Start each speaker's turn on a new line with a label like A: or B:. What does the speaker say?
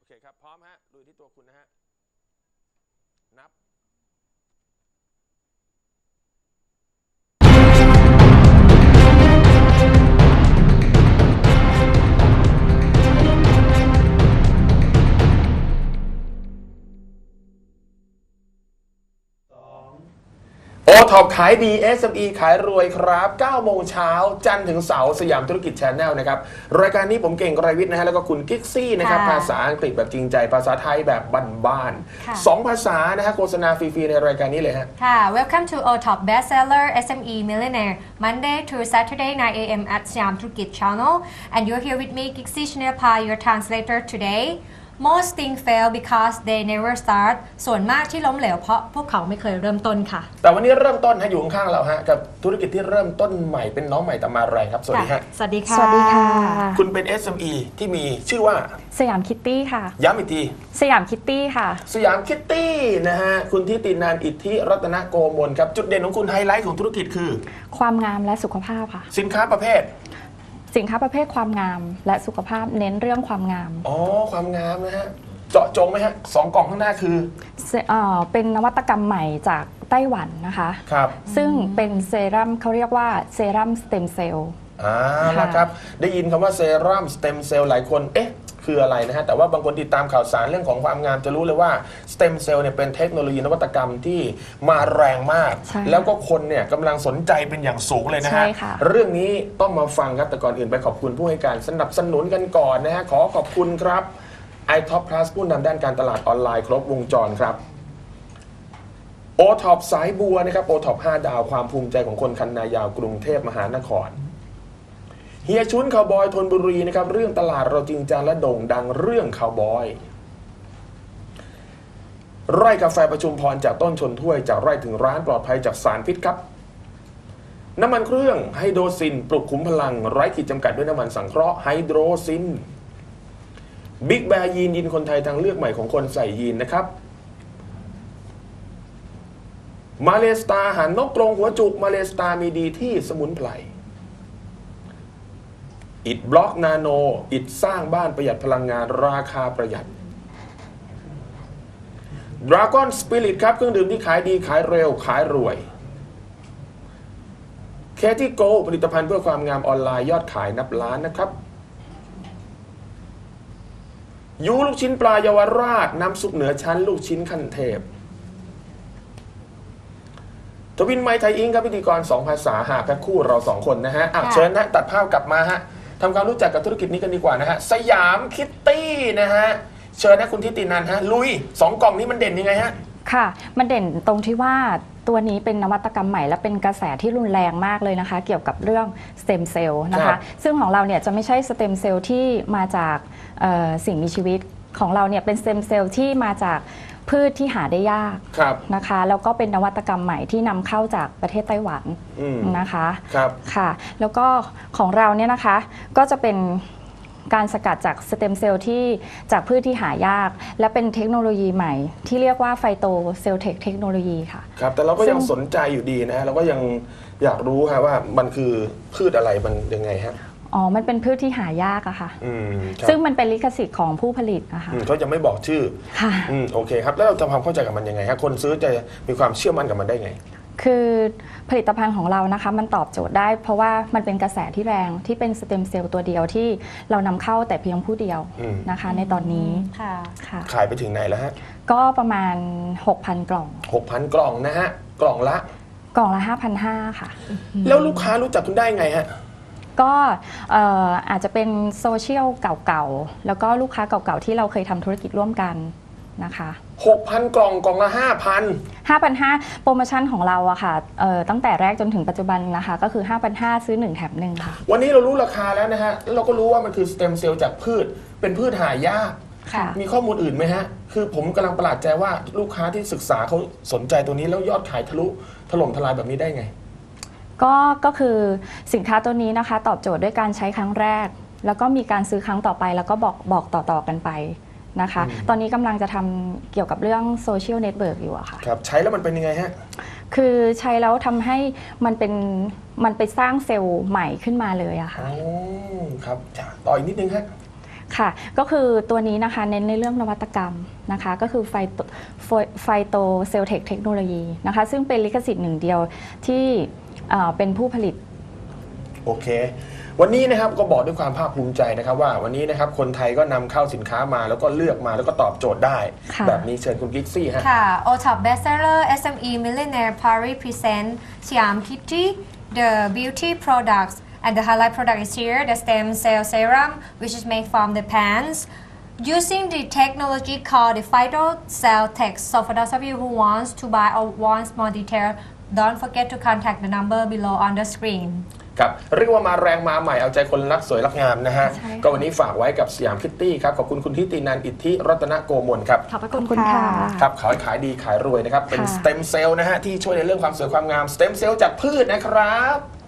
A: เคครับพร้อมฮะลุยที่ตัวคุณนะฮะนับโอท็อปขายดี SME ขายรวยครับ9โมงเช้าจันทร์ถึงเสาร์สยามธุรกิจ Channel นะครับรายการนี้ผมเก่งไกรวิทย์นะฮะแล้วก็คุณกิ๊กซี่นะครับภาษาอังกฤษแบบจริงใจภาษาไทยแบบบ้านๆ2ภาษานะฮะโฆษณาฟรีๆในรายการนี้เลยฮะ
B: ค่ะ Welcome to OTOP Bestseller SME Millionaire Monday to Saturday 9 a.m. at Siam Turkit Channel and you're here with me Gixi Chinapa your translator today Most things fail because they never start ส่วนมากที่ล้มเหลวเพราะพวกเขาไม่เคยเริ่มต้นค่ะ
A: แต่วันนี้เริ่มต้นฮะอยู่ข้างๆเราฮะกับธุรกิจที่เริ่มต้นใหม่เป็นน้องใหม่แต่มาแรงครับสวัสดีฮะ
B: สวัสดีค่ะ
C: สวัสดีค่ะ
A: คุณเป็น SME ที่มีชื่อว่า
C: สยามคิตตี้ค่ะ
A: ย้ำอีกที
C: สยามคิตตี้ค่ะ
A: สยามคิตตี้นะฮะคุณทิตินันท์อิทธิรัตนโกมลครับจุดเด่นของคุณไฮไลท์ของธุรกิจคือ
C: ความงามและสุขภาพค่ะ
A: สินค้าประเภท
C: ความงามและสุขภาพเน้นเรื่องความงาม
A: อ๋อความงามนะฮะเจาะจงไหมฮะ2กล่องข้างหน้าคือ
C: เป็นนวัตกรรมใหม่จากไต้หวันนะคะ
A: ครับ
C: ซึ่งเป็นเซรั่มเขาเรียกว่าเซรั่มสเต็มเซลล์
A: แล้วครับได้ยินคำว่าเซรั่มสเต็มเซลล์หลายคนเอ๊ะคืออะไรนะฮะแต่ว่าบางคนติดตามข่าวสารเรื่องของความงามจะรู้เลยว่าสเต็มเซลล์เนี่ยเป็นเทคโนโลยีนวัตกรรมที่มาแรงมากแล้วก็คนเนี่ยกำลังสนใจเป็นอย่างสูงเลยนะฮะเรื่องนี้ต้องมาฟังครับแต่ก่อนอื่นไปขอบคุณผู้ให้การสนับสนุนกันก่อนนะฮะขอขอบคุณครับiTop Plus ผู้นำด้านการตลาดออนไลน์ครบวงจรครับ OTOP สายบัวนะครับ OTOP 5 ดาวความภูมิใจของคนคันนายาวกรุงเทพมหานครเฮียชุนคาวบอยธนบุรีนะครับเรื่องตลาดเราจริงจังและโด่งดังเรื่องคาวบอยไร่กาแฟประชุมพรจากต้นชนถ้วยจากไร่ถึงร้านปลอดภัยจากสารพิษครับน้ำมันเครื่องไฮโดรซินปลุกขุมพลังไร้ขีดจำกัดด้วยน้ำมันสังเคราะห์ไฮโดรซินบิ๊กแบร์ยีนคนไทยทางเลือกใหม่ของคนใส่ยีนนะครับมาเลสตาหันนกกรงหัวจุกมาเลสตามีดีที่สมุนไพรอิฐบล็อกนาโนอิฐสร้างบ้านประหยัดพลังงานราคาประหยัด Dragon Spirit ครับเครื่องดื่มที่ขายดีขายเร็วขายรวย Katie Go ผลิตภัณฑ์เพื่อความงามออนไลน์ยอดขายนับล้านนะครับยูลูกชิ้นปลาเยาวราชน้ำซุปเหนือชั้นลูกชิ้นขั้นเทพทวินไมค์ไทยอิงครับพิธีกร2ภาษาหาแพ็คคู่เรา2คนนะฮะเชิญนะตัดภาพกลับมาฮะทำความรู้จักกับธุรกิจนี้กันดีกว่านะฮะสยามคิตตี้นะฮะเชิญนะคุณทิตินันท์ฮะลุย2กล่องนี้มันเด่นยังไงฮะ
C: ค่ะมันเด่นตรงที่ว่าตัวนี้เป็นนวัตกรรมใหม่และเป็นกระแสที่รุนแรงมากเลยนะคะเกี่ยวกับเรื่องสเต็มเซลล์นะคะซึ่งของเราเนี่ยจะไม่ใช่สเต็มเซลล์ที่มาจากสิ่งมีชีวิตของเราเนี่ยเป็นสเต็มเซลล์ที่มาจากพืชที่หาได้ยากนะคะแล้วก็เป็นนวัตกรรมใหม่ที่นำเข้าจากประเทศไต้หวันนะคะค่ะแล้วก็ของเราเนี่ยนะคะก็จะเป็นการสกัดจากสเต็มเซลล์ที่จากพืชที่หายากและเป็นเทคโนโลยีใหม่ที่เรียกว่าไฟโตเซลเทคโนโลยีค่ะ
A: ครับแต่เราก็ยังสนใจอยู่ดีนะเราก็ยังอยากรู้ค่ะว่ามันคือพืชอะไรมันยังไงฮะ
C: อ๋อมันเป็นพืชที่หายากอะค่ะซึ่งมันเป็นลิขสิทธิ์ของผู้ผลิตนะคะ
A: เขาจะไม่บอกชื่อ
C: ค่ะ
A: โอเคครับแล้วเราทำความเข้าใจกับมันยังไงฮะคนซื้อจะมีความเชื่อมั่นกับมันได้ไง
C: คือผลิตภัณฑ์ของเรานะคะมันตอบโจทย์ได้เพราะว่ามันเป็นกระแสที่แรงที่เป็นสเต็มเซลล์ตัวเดียวที่เรานำเข้าแต่เพียงผู้เดียวนะคะในตอนนี้
B: ค่ะ
A: ขายไปถึงไหนแล้วฮะ
C: ก็ประมาณ 6,000 กล่อง
A: 6,000 กล่องนะฮะกล่องละ
C: 5,500 ค่ะ
A: แล้วลูกค้ารู้จักคุณได้ไงฮะ
C: ก็อาจจะเป็นโซเชียลเก่าๆแล้วก็ลูกค้าเก่าๆที่เราเคยทำธุรกิจร่วมกันนะคะ
A: 6,000 กล่องกล่องละ
C: 5,500 โปรโมชั่นของเราอะค่ะตั้งแต่แรกจนถึงปัจจุบันนะคะก็คือ 5,500 ซื้อ1แถม1ค่ะ
A: วันนี้เรารู้ราคาแล้วนะฮะแล้วเราก็รู้ว่ามันคือสเต็มเซลล์จากพืชเป็นพืชหายากมีข้อมูลอื่นไหมฮะคือผมกำลังประหลาดใจว่าลูกค้าที่ศึกษาเขาสนใจตัวนี้แล้วยอดขายทะลุถล่มทลายแบบนี้ได้ไง
C: ก็คือสินค้าตัวนี้นะคะตอบโจทย์ด้วยการใช้ครั้งแรกแล้วก็มีการซื้อครั้งต่อไปแล้วก็บอกต่อกันไปนะคะตอนนี้กำลังจะทำเกี่ยวกับเรื่องโซเชียลเน็ตเวิร์กอยู่อะค่ะ
A: ครับใช้แล้วมันเป็นยังไงฮะ
C: คือใช้แล้วทำให้มันไปสร้างเซลล์ใหม่ขึ้นมาเลยอะค่ะ
A: ครับต่ออีกนิดนึงฮะ
C: ค่ะ ก็คือตัวนี้นะคะเน้นในเรื่องนวัตกรรมนะคะก็คือไฟโตเซลเทคเทคโนโลยีนะคะซึ่งเป็นลิขสิทธิ์หนึ่งเดียวที่เป็นผู้ผลิต
A: โอเค วันนี้นะครับก็บอกด้วยความภาคภูมิใจนะครับว่าวันนี้นะครับคนไทยก็นำเข้าสินค้ามาแล้วก็เลือกมาแล้วก็ตอบโจทย์ได้
C: ค่ะ
A: แบบนี้เชิญคุณกิ๊กซี่ฮะ
B: ค่ะ O-top bestseller SME Millionaire Paris present Siam Kitty the beauty products and the highlight product is here the stem cell serum which is made from the plants using the technology called the phytocell tech. So for those of you who wants to buy or wants more detail don't forget to contact the number below on the screen.
A: ครับเรียกว่ามาแรงมาใหม่เอาใจคนรักสวยรักงามนะฮะ
C: ใช่ค่ะ
A: ก็วันนี้ฝากไว้กับสยามคิตตี้ครับขอบคุณคุณทิตินันท์อิทธิรัตนโกมลครับ
C: ขอบคุณค่ะ
A: ครับขายดีขายรวยนะครับเป็น
C: ค่ะ
A: สเต็มเซลล์นะฮะที่ช่วยในเรื่องความสวยความงามสเต็มเซลล์จากพืชนะครับ